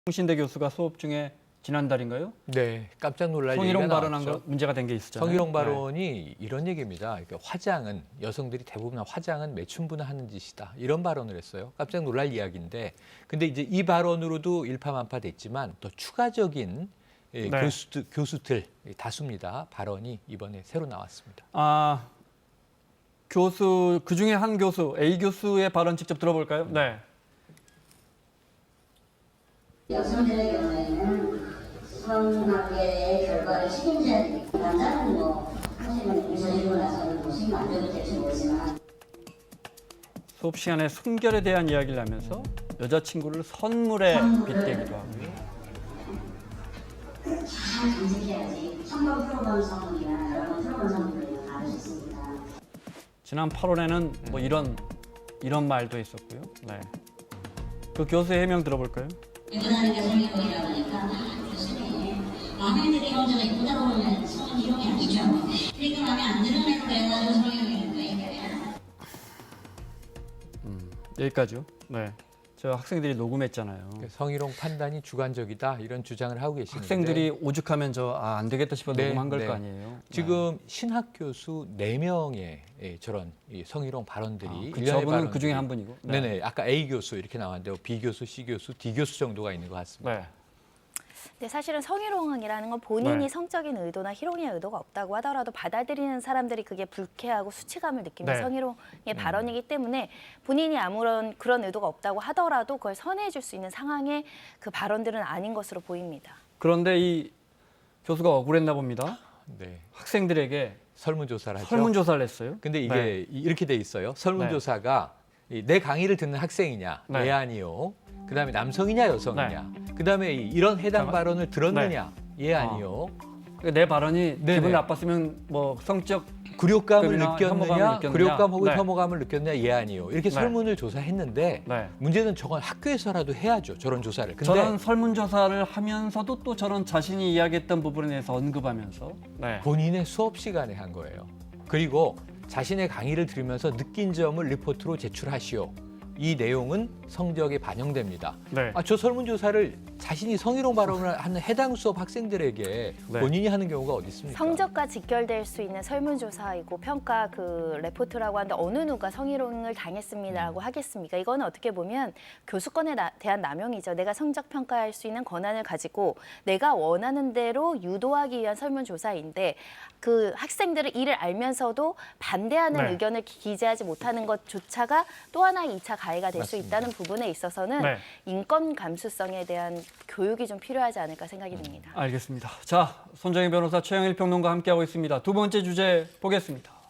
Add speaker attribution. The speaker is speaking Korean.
Speaker 1: 홍신대 교수가 수업 중에 지난달인가요?
Speaker 2: 네, 깜짝 놀랄 얘기가
Speaker 1: 성희롱
Speaker 2: 나왔죠.
Speaker 1: 발언한 거 문제가 된 게 있었잖아요.
Speaker 2: 성희롱 발언이 이런 얘기입니다. 그러니까 화장은 여성들이 대부분 화장은 매춘부나 하는 짓이다. 이런 발언을 했어요. 깜짝 놀랄 이야기인데, 근데 이제 이 발언으로도 일파만파 됐지만 또 추가적인 교수들 다수입니다. 발언이 이번에 새로 나왔습니다.
Speaker 1: 교수 그 중에 한 교수 A 교수의 발언 직접 들어볼까요? 네.
Speaker 3: 여성들의 경우에는 성관계의 결과를 책임져야 되고 남자는 사실은 잊어지고 나서는 무슨 안 돼도 될지 모르지만
Speaker 1: 수업 시간에 순결에 대한 이야기를 하면서 여자친구를 선물에 빗대기도 하고요.
Speaker 3: 잘 간직해야지. 한번 풀어본 성분이나 여러 번 풀어본 성분을 알을 수 있습니다.
Speaker 1: 지난 8월에는 뭐 이런 말도 있었고요. 네. 그 교수의 해명 들어볼까요?
Speaker 3: 유부남이가 성희롱이라고 하니까 교수님 마음에 들게 혼자가 이쁘다고 하면 성희롱이 아니죠. 그러니까 마음에 안 드는 애로 해가지고 성희롱인 거예요.
Speaker 1: 여기까지요. 네. 저 학생들이 녹음했잖아요.
Speaker 2: 성희롱 판단이 주관적이다 이런 주장을 하고 계시는데
Speaker 1: 학생들이 오죽하면 안 되겠다 싶어
Speaker 2: 네,
Speaker 1: 녹음한 걸
Speaker 2: 네.
Speaker 1: 거 아니에요.
Speaker 2: 지금 신학 교수 4명의 저런 성희롱 발언들이
Speaker 1: 저분은 그 중에 한 분이고.
Speaker 2: 네네. 아까 A 교수 이렇게 나왔는데 B 교수, C 교수, D 교수 정도가 있는 것 같습니다.
Speaker 1: 네.
Speaker 4: 근데 사실은 성희롱이라는 건 본인이
Speaker 1: 네.
Speaker 4: 성적인 의도나 희롱의 의도가 없다고 하더라도 받아들이는 사람들이 그게 불쾌하고 수치감을 느끼는
Speaker 1: 네.
Speaker 4: 성희롱의 발언이기 때문에 본인이 아무런 그런 의도가 없다고 하더라도 그걸 선회해 줄 수 있는 상황의 그 발언들은 아닌 것으로 보입니다.
Speaker 1: 그런데 이 교수가 억울했나 봅니다.
Speaker 2: 네.
Speaker 1: 학생들에게
Speaker 2: 설문조사를 하죠.
Speaker 1: 설문조사를 했어요.
Speaker 2: 근데 이게
Speaker 1: 네.
Speaker 2: 이렇게 돼 있어요. 설문조사가 내 강의를 듣는 학생이냐,
Speaker 1: 네.
Speaker 2: 예 아니요. 그다음에 남성이냐, 여성이냐. 그다음에 이런 해당 발언을 들었느냐, 예 아니요.
Speaker 1: 그러니까 내 발언이
Speaker 2: 네네.
Speaker 1: 기분 나빴으면 뭐 성적
Speaker 2: 굴욕감을
Speaker 1: 혐오감을
Speaker 2: 느꼈느냐,
Speaker 1: 느꼈느냐.
Speaker 2: 굴욕감 혹은
Speaker 1: 네.
Speaker 2: 혐오감을 느꼈느냐, 예 아니요. 이렇게
Speaker 1: 네.
Speaker 2: 설문을 조사했는데
Speaker 1: 네.
Speaker 2: 문제는 저건 학교에서라도 해야죠. 저런 조사를. 근데
Speaker 1: 저런 설문조사를 하면서도 또 저런 자신이 이야기했던 부분에 대해서 언급하면서
Speaker 2: 본인의 수업 시간에 한 거예요. 그리고 자신의 강의를 들으면서 느낀 점을 리포트로 제출하시오. 이 내용은 성적에 반영됩니다.
Speaker 1: 네.
Speaker 2: 저 설문조사를 자신이 성희롱 발언을 하는 해당 수업 학생들에게
Speaker 1: 네.
Speaker 2: 본인이 하는 경우가 어디 있습니까?
Speaker 4: 성적과 직결될 수 있는 설문조사이고 평가 그 레포트라고 하는데 어느 누가 성희롱을 당했습니다라고 하겠습니까? 이거는 어떻게 보면 교수권에 대한 남용이죠. 내가 성적 평가할 수 있는 권한을 가지고 내가 원하는 대로 유도하기 위한 설문조사인데 그 학생들은 이를 알면서도 반대하는
Speaker 1: 네.
Speaker 4: 의견을 기재하지 못하는 것조차가 또 하나의 2차 가해가 될 수
Speaker 2: 맞습니다.
Speaker 4: 있다는 부분에 있어서는
Speaker 1: 네.
Speaker 4: 인권 감수성에 대한 교육이 좀 필요하지 않을까 생각이 듭니다.
Speaker 1: 알겠습니다. 자, 손정희 변호사, 최영일 평론가 함께하고 있습니다. 두 번째 주제 보겠습니다.